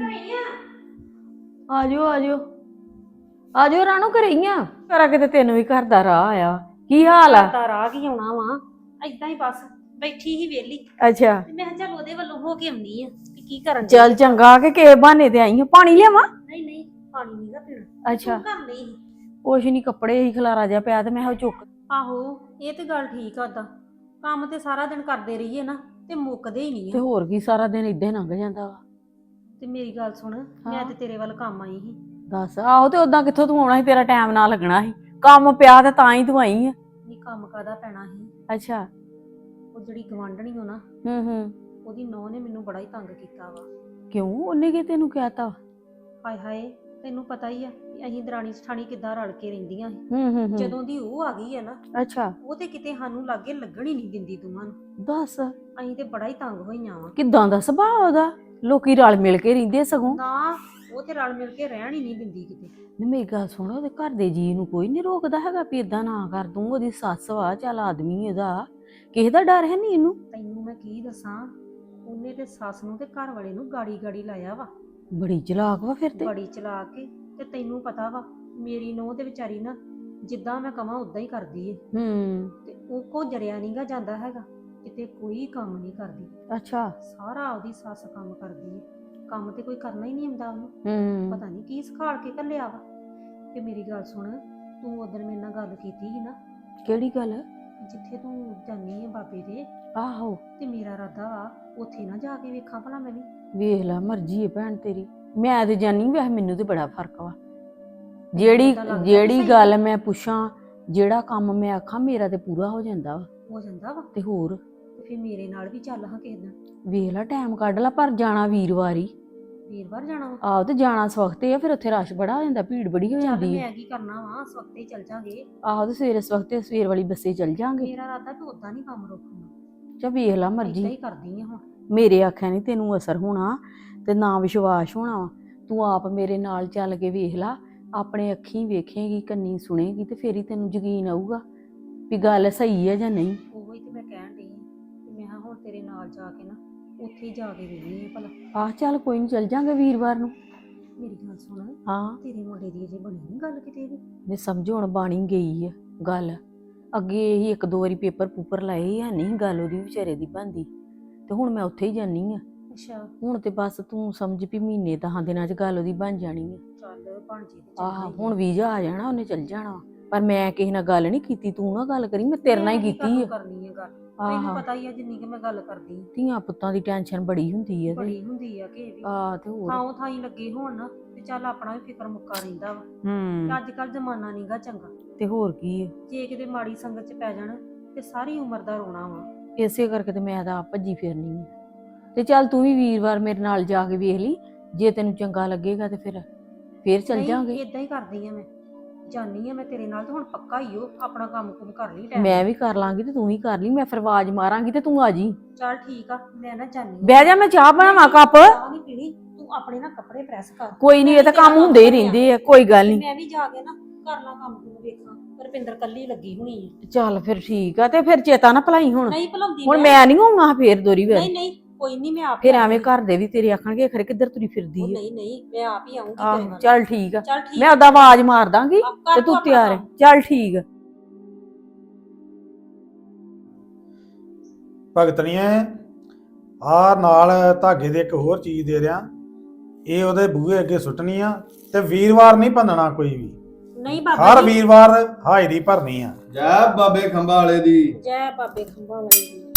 F: ਆਜੋ ਆਜੋ ਆਜੋ ਰਾਣੋ, ਘਰੇ ਹੀ ਆ। ਕਰਾ ਕਿਤੇ ਤੈਨੂੰ ਵੀ ਘਰ ਦਾ ਰਾਹ ਆਇਆ। ਕੀ ਹਾਲ ਆ?
D: ਤਾਂ ਰਾਹ ਕੀ ਆਉਣਾ ਵਾ, ਏਦਾਂ ਹੀ ਬਸ ਬੈਠੀ ਹੀ ਵੇਲੀ
F: ਅੱਛਾ,
D: ਤੇ ਮੈਂ ਕਿਹਾ ਚੱਲ ਉਹਦੇ ਵੱਲੋਂ ਹੋ ਕੇ ਆਉਣੀ ਆ ਕਿ ਕੀ ਕਰਨ ਡਈ
F: ਚੱਲ ਚੰਗਾ ਕਿ ਕਿਸੇ ਬਹਾਨੇ ਤੇ ਆਈ ਆ। ਪਾਣੀ ਲਿਆਵਾਂ?
D: ਨਹੀਂ ਨਹੀਂ ਪਾਣੀ ਨਹੀਂਗਾ ਪੀਣਾ।
F: ਅੱਛਾ,
D: ਤੂੰ ਕਰ ਲਈ।
F: ਕੁਛ ਨੀ, ਕੱਪੜੇ ਹੀ ਖਲਾਰਾ ਜਿਹਾ ਪਿਆ ਤੇ ਮੈਂ ਕਿਹਾ ਚੁੱਕ।
D: ਆਹੋ ਇਹ ਤੇ ਗੱਲ ਠੀਕ ਆ। ਉਦਾਂ ਕੰਮ ਤੇ ਸਾਰਾ ਦਿਨ ਕਰਦੇ ਰਹੀਏ ਨਾ ਤੇ ਮੁੱਕਦੇ ਹੀ ਨਹੀਂ
F: ਤੇ
D: ਆ।
F: ਹੋਰ ਕੀ, ਸਾਰਾ ਦਿਨ ਏਦਾਂ ਹੀ ਲੰਘ ਜਾਂਦਾ ਵਾ।
D: ਤੇ ਮੇਰੀ ਗੱਲ ਸੁਣ, ਮੈਂ ਤੇ ਤੇਰੇ ਵੱਲ ਕੰਮ ਆਈ ਸੀ।
F: ਦੱਸ, ਆਹੋ ਤੇ ਉਦਾਂ ਕਿੱਥੋਂ ਤੂੰ ਆਉਣਾ ਸੀ, ਤੇਰਾ ਟਾਈਮ ਨਾ ਲੱਗਣਾ ਸੀ। ਕੰਮ ਪਿਆ ਤੇ ਤਾਂ ਹੀ ਤੂੰ ਆਈ ਆ।
D: ਨਹੀਂ ਕੰਮ ਕਾਹਦਾ ਪੈਣਾ ਸੀ,
F: ਅੱਛਾ,
D: ਉਹ ਜਿਹੜੀ ਗਵਾਂਢਣੀ ਹੋ ਨਾ,
F: ਹੂੰ।
D: ਉਹਦੀ ਨੂੰਹ ਨੇ ਮੈਨੂੰ ਬੜਾ ਹੀ ਤੰਗ ਕੀਤਾ ਵਾ।
F: ਕਿਉਂ, ਉਹਨੇ ਕੀ ਤੈਨੂੰ ਕਹਿਤਾ?
D: ਹਾਏ ਹਾਏ, ਤੈਨੂੰ ਪਤਾ ਹੀ ਆ ਵੀ ਅਸੀਂ ਦਰਾਣੀ ਜਠਾਣੀ ਕਿੱਦਾਂ ਰਲ ਕੇ ਰਹਿੰਦੀਆਂ ਸੀ।
F: ਹੂੰ।
D: ਜਦੋਂ ਦੀ ਉਹ ਆ ਗਈ ਹੈ ਨਾ,
F: ਅੱਛਾ,
D: ਉਹ ਤੇ ਕਿਤੇ ਸਾਨੂੰ ਲਾਗੇ ਲੱਗਣ ਹੀ ਨਹੀਂ ਦਿੰਦੀ ਦੋਵਾਂ ਨੂੰ।
F: ਦੱਸ
D: ਅਸੀਂ ਤੇ ਬੜਾ ਹੀ ਤੰਗ ਹੋਈਆਂ ਵਾ।
F: ਕਿੱਦਾਂ ਦਾ ਸੁਭਾਅ ਉਹਦਾ? ਲੋਕੀ ਰਲ ਮਿਲ ਕੇ ਰਹਿੰਦੇ ਸਗੋਂ।
D: ਨਾ ਉਹ ਤੇ ਰਲ ਮਿਲ ਕੇ ਰਹਿਣ ਹੀ ਨਹੀਂ ਦਿੰਦੀ ਕਿਤੇ।
F: ਨਹੀਂ, ਮੇਰੀ ਗੱਲ ਸੁਣ, ਉਹਦੇ ਘਰ ਦੇ ਜੀ ਨੂੰ ਕੋਈ ਨਹੀਂ ਰੋਕਦਾ ਹੈਗਾ ਵੀ ਇਦਾਂ ਨਾ ਕਰ ਤੂੰ। ਉਹਦੀ ਸੱਸ ਵਾ, ਚੱਲ ਆਦਮੀ ਇਹਦਾ, ਕਿਸੇ ਦਾ ਡਰ ਹੈ ਨਹੀਂ ਇਹਨੂੰ।
D: ਤੈਨੂੰ ਮੈਂ ਕੀ ਦੱਸਾਂ, ਉਹਨੇ ਤੇ ਸੱਸ ਨੂੰ ਤੇ ਘਰ ਵਾਲੇ ਨੂੰ ਗਾੜੀ ਗਾੜੀ ਲਾਇਆ ਵਾ।
F: ਬੜੀ ਚਲਾਕ ਵਾ ਫਿਰ ਤੇ।
D: ਬੜੀ ਚਲਾ ਕੇ ਤੇ ਤੈਨੂੰ ਪਤਾ ਵਾ ਮੇਰੀ ਨੂੰਹ ਤੇ ਵਿਚਾਰੀ ਨਾ ਜਿੱਦਾਂ ਮੈਂ ਕਵਾਂ ਉਦਾਂ ਹੀ ਕਰਦੀ ਏ। ਤੇ ਉਹ ਕੋ ਜਰਿਆ ਨਹੀਂਗਾ ਜਾਂਦਾ ਹੈਗਾ, ਕਿਤੇ ਕੋਈ ਕੰਮ ਨਹੀਂ ਕਰਦੀ।
F: ਅੱਛਾ,
D: ਸਾਰਾ ਉਹਦੀ ਸੱਸ ਕੰਮ ਕਰਦੀ ਏ, ਕੰਮ ਤੇ ਕੋਈ ਕਰਨਾ ਹੀ ਨਹੀਂ ਆਉਂਦਾ ਉਹਨੂੰ। ਪਤਾ ਨਹੀਂ ਕੀ ਸਿਖਾਲ ਕੇ ਘੱਲਿਆ ਵਾ। ਤੇ ਮੇਰੀ ਗੱਲ ਸੁਣ, ਤੂੰ ਉਦੋਂ ਮੇਰੇ ਨਾਲ ਗੱਲ ਕੀਤੀ ਸੀ ਨਾ,
F: ਕਿਹੜੀ ਗੱਲ?
D: ਜਿੱਥੇ ਤੂੰ ਜਾਨੀ ਹੈ ਬਾਬੇ ਦੇ,
F: ਆਹੋ,
D: ਤੇ ਮੇਰਾ ਇਰਾਦਾ ਵਾ ਉੱਥੇ ਨਾ ਜਾ ਕੇ ਵੇਖਾਂ ਭਲਾ ਮੈਂ ਵੀ।
F: ਵੇਖ ਲੈ, ਮਰਜ਼ੀ ਹੈ ਭੈਣ ਤੇਰੀ। ਮੈਂ ਤੇ ਜਾਨੀ, ਵੈਸੇ ਮੈਨੂੰ ਤੇ ਬੜਾ ਫਰਕ ਵਾ। ਜਿਹੜੀ ਗੱਲ ਮੈਂ ਪੁੱਛਾਂ, ਜਿਹੜਾ ਕੰਮ ਮੈਂ ਆਖਾਂ, ਮੇਰਾ ਤੇ ਪੂਰਾ ਹੋ ਜਾਂਦਾ ਵਾ।
D: ਹੋ ਜਾਂਦਾ ਵਾ
F: ਤੇ ਹੋਰ,
D: ਤੇ ਫਿਰ ਮੇਰੇ ਨਾਲ ਵੀ ਚੱਲ ਹਾਂ ਕਿਸੇ ਦਿਨ।
F: ਵੇਖ ਲੈ, ਟਾਈਮ ਕੱਢ ਲੈ, ਪਰ ਜਾਣਾ ਵੀਰਵਾਰ ਹੀ।
D: ਵੀਰਵਾਰ ਜਾਣਾ ਵਾ?
F: ਆਹੋ ਤੇ ਜਾਣਾ ਸਵਖਤੇ ਆ, ਫਿਰ ਉੱਥੇ ਰਸ਼ ਬੜਾ ਹੋ ਜਾਂਦਾ, ਭੀੜ ਬੜੀ ਹੋ
D: ਚੱਲ
F: ਜਾਂਦੀ ਹੈ।
D: ਮੈਂ ਕੀ ਕਰਨਾ ਵਾ, ਸਵਖਤੇ ਹੀ ਚੱਲ ਜਾਾਂਗੇ।
F: ਆਹੋ ਤੇ ਸਵੇਰੇ ਸਵਖਤੇ ਸਵੇਰ ਵਾਲੀ ਬੱਸੇ ਚੱਲ ਜਾਾਂਗੇ।
D: ਮੇਰਾ ਇਰਾਦਾ ਵੀ ਉਦਾਂ ਨਹੀਂ ਕੰਮ ਰੋਕਣਾ,
F: ਚਾ ਵੇਖ ਲਾ
D: ਏਦਾਂ
F: ਮਰਜੀ।
D: ਹੀ ਕਰਦੀ ਆ ਹੁਣ।
F: ਮੇਰੇ ਆਖਿਆ ਨਹੀਂ ਤੈਨੂੰ ਅਸਰ ਹੋਣਾ ਤੇ ਨਾ ਵਿਸ਼ਵਾਸ ਹੋਣਾ ਵਾ। ਤੂੰ ਆਪ ਮੇਰੇ ਨਾਲ ਚੱਲ ਕੇ ਵੇਖ ਲਾ, ਆਪਣੇ ਅੱਖੀਂ ਵੇਖੇਂਗੀ, ਕੰਨੀ ਸੁਣੇਗੀ ਤੇ ਫੇਰ ਹੀ ਤੈਨੂੰ ਯਕੀਨ ਆਊਗਾ ਵੀ ਗੱਲ ਸਹੀ ਹੈ ਜਾਂ ਨਹੀਂ।
D: ਉਹੀ ਤੇ ਮੈਂ ਕਹਿਣ ਡਈ ਆ ਕਿ ਮੈਂ ਕਿਹਾ ਹੁਣ ਤੇਰੇ ਨਾਲ ਜਾ ਕੇ ਨਾ ਉੱਥੇ ਹੀ ਜਾ ਕੇ ਵੇਖਣੀ ਆ ਭਲਾ।
F: ਆਹ ਚੱਲ ਕੋਈ ਨਹੀਂ, ਚੱਲ ਜਾਾਂਗੇ ਵੀਰਵਾਰ ਨੂੰ।
D: ਮੇਰੀ ਗੱਲ ਸੁਣ,
F: ਹਾਂ
D: ਤੇਰੇ ਮੁੰਡੇ ਦੀ ਅਜੇ ਬਣੀ ਨਹੀਂ ਗੱਲ ਕਿਤੇ ਵੀ?
F: ਨੇ ਸਮਝੋ ਹੁਣ ਬਾਣੀ ਗਈ ਆ ਗੱਲ। ਅੱਗੇ ਹੀ ਇੱਕ ਦੋ ਵਾਰੀ ਪੇਪਰ ਪੂਪਰ ਲਾਏ ਆ, ਨਹੀਂ ਗੱਲ ਉਹਦੀ ਵਿਚਾਰੇ ਦੀ ਬਣਦੀ, ਤੇ ਹੁਣ ਮੈਂ ਉੱਥੇ ਹੀ ਜਾਨੀ ਆ।
D: ਅੱਛਾ
F: ਹੁਣ ਤੇ ਬਸ ਤੂੰ ਸਮਝ ਵੀ ਮਹੀਨੇ 10 ਦਿਨਾਂ 'ਚ ਗੱਲ ਉਹਦੀ ਬਣ ਜਾਣੀ ਆ।
D: ਚੱਲ ਬਣ ਜੇ ਤੇ
F: ਆਹ ਹੁਣ ਵੀਜ਼ਾ ਆ ਜਾਣਾ, ਉਹਨੇ ਚੱਲ ਜਾਣਾ। ਪਰ ਮੈਂ ਕਿਸੇ ਨਾਲ ਗੱਲ ਨਹੀਂ ਕੀਤੀ, ਤੂੰ ਨਾ ਗੱਲ ਕਰੀ, ਮੈਂ ਤੇਰੇ ਨਾਲ ਹੀ ਕੀਤੀ ਆ।
D: ਕਰਨੀ ਆ ਗੱਲ, ਤੈਨੂੰ
F: ਆਹ
D: ਪਤਾ ਹੀ ਆ ਜਿੰਨੀ ਕਿ ਮੈਂ ਗੱਲ ਕਰਦੀ ਆ।
F: ਧੀਆਂ ਪੁੱਤਾਂ ਦੀ ਟੈਨਸ਼ਨ ਬੜੀ ਹੁੰਦੀ ਆ ਤੇ
D: ਬੜੀ ਹੁੰਦੀ ਆ ਕਿ ਵੀ
F: ਆਹ ਤੇ ਹੋਰ
D: ਥਾਂ ਥਾਈ ਲੱਗੇ ਹੋਣ ਨਾ ਤੇ ਚੱਲ ਆਪਣਾ ਵੀ ਫਿਕਰ ਮੁੱਕਾ ਰਹਿੰਦਾ ਵਾ ਕਿ ਅੱਜ ਕੱਲ ਜ਼ਮਾਨਾ ਨਹੀਂਗਾ ਚੰਗਾ।
F: ਤੇ ਹੋਰ ਕੀ ਆ।
D: ਜੇ ਕਿਤੇ ਮਾੜੀ ਸੰਗਤ ਚ ਪੈ ਜਾਣ ਤੇ ਸਾਰੀ ਉਮਰ ਦਾ ਰੋਣਾ ਵਾ।
F: ਇਸੇ ਕਰਕੇ ਤੇ ਮੈਂ ਤਾਂ ਆਪ ਭੱਜੀ ਫਿਰਨੀ ਆ। ਤੇ ਚੱਲ ਤੂੰ ਵੀ ਵੀਰਵਾਰ ਮੇਰੇ ਨਾਲ ਜਾ ਕੇ ਵੇਖ ਲਈ, ਜੇ ਤੈਨੂੰ ਚੰਗਾ ਲੱਗੇਗਾ ਤੇ ਫੇਰ ਚੱਲ ਜਾਾਂਗੇ।
D: ਇਦਾਂ ਹੀ ਕਰਦੀ ਆ, ਮੈਂ ਜਾਨੀ ਆ ਮੈਂ ਤੇਰੇ ਨਾਲ ਤੇ ਹੁਣ ਪੱਕਾ ਹੀ ਹੋ ਆਪਣਾ ਕੰਮ ਕੁਮ ਕਰ ਲਈ ਟਾਈਮ।
F: ਮੈਂ ਵੀ ਕਰ ਲਾਂਗੀ ਤੇ ਤੂੰ ਵੀ ਕਰ ਲਈ, ਮੈਂ ਫਿਰ ਆਵਾਜ਼ ਮਾਰਾਂਗੀ ਤੇ ਤੂੰ ਆ ਜੀ।
D: ਚੱਲ ਠੀਕ ਆ, ਮੈਂ ਨਾ ਜਾਨੀ ਆ।
F: ਬਹਿ ਜਾ, ਮੈਂ ਚਾਹ ਬਣਾਵਾਂ ਕੱਪ।
D: ਚਾਹ ਨਹੀਂ ਪੀਣੀ, ਤੂੰ ਆਪਣੇ ਨਾ ਕੱਪੜੇ ਪ੍ਰੈਸ ਕਰ।
F: ਕੋਈ ਨਹੀਂ, ਇਹ ਤਾਂ ਕੰਮ ਹੁੰਦੇ ਹੀ ਰਹਿੰਦੇ ਆ, ਕੋਈ ਗੱਲ ਨਹੀਂ।
D: ਮੈਂ ਵੀ ਜਾ ਕੇ ਨਾ ਕਰਨਾ ਕੰਮ ਕੁਮ ਵੇਖਾਂ, ਰੁਪਿੰਦਰ ਕੱਲੀ ਲੱਗੀ ਹੋਣੀ ਆ।
F: ਚੱਲ ਫਿਰ ਠੀਕ ਆ, ਤੇ ਫਿਰ ਚੇਤਾ ਨਾ ਭਲਾਈ ਹੁਣ।
D: ਨਹੀਂ ਭੁਲਾਉਂਦੀ
F: ਹੁਣ ਮੈਂ ਨਹੀਂ ਆਉਣਾ ਫੇਰ ਦੋਰੀ ਵੇਰ।
D: ਨਹੀਂ ਨਹੀਂ ਕੋਈ ਨਹੀਂ, ਮੈਂ ਆਪ
F: ਫਿਰ
D: ਹੀ
F: ਐਵੇਂ ਘਰ ਦੇ ਵੀ ਤੇਰੇ ਆਖਣਗੇ ਖਰੇ ਕਿੱਧਰ ਤੁਰੀ ਫਿਰਦੀ ਹੈ।
D: ਨਹੀਂ ਨਹੀਂ ਮੈਂ ਆਪ ਹੀ ਆਉਂਗੀ ਤੇਰੇ
F: ਆਹ
D: ਨਾਲ।
F: ਚੱਲ ਠੀਕ ਆ,
D: ਚੱਲ ਠੀਕ
F: ਮੈਂ ਉਹਦਾ ਆਵਾਜ਼ ਮਾਰ ਦਾਂਗੀ
D: ਆ, ਕਰ
F: ਤੇ
D: ਤੂੰ
F: ਤੂੰ
D: ਆਪਣਾ
F: ਤਿਆਰ ਹੈ।
D: ਕੰਮ।
F: ਚੱਲ ਠੀਕ ਆ।
G: ਭਗਤਣੀਏ ਆ ਨਾਲ ਧਾਗੇ ਦੇ ਇੱਕ ਹੋਰ ਚੀਜ਼ ਦੇ ਰਿਆਂ, ਇਹ ਉਹਦੇ ਬੂਹੇ ਅੱਗੇ ਸੁੱਟਣੀ ਆ ਤੇ ਵੀਰਵਾਰ ਨਹੀਂ ਭੰਨਣਾ ਕੋਈ ਵੀ।
D: ਨਹੀਂ ਬਾਬਾ
G: ਹਰ
D: ਜੀ,
G: ਵੀਰਵਾਰ ਹਾਜ਼ਰੀ ਭਰਨੀ ਆ।
H: ਜੈ ਬਾਬੇ ਖੰਭਾ ਵਾਲੇ ਦੀ।
D: ਜੈ ਬਾਬੇ ਖੰਭਾ ਵਾਲੇ ਦੀ।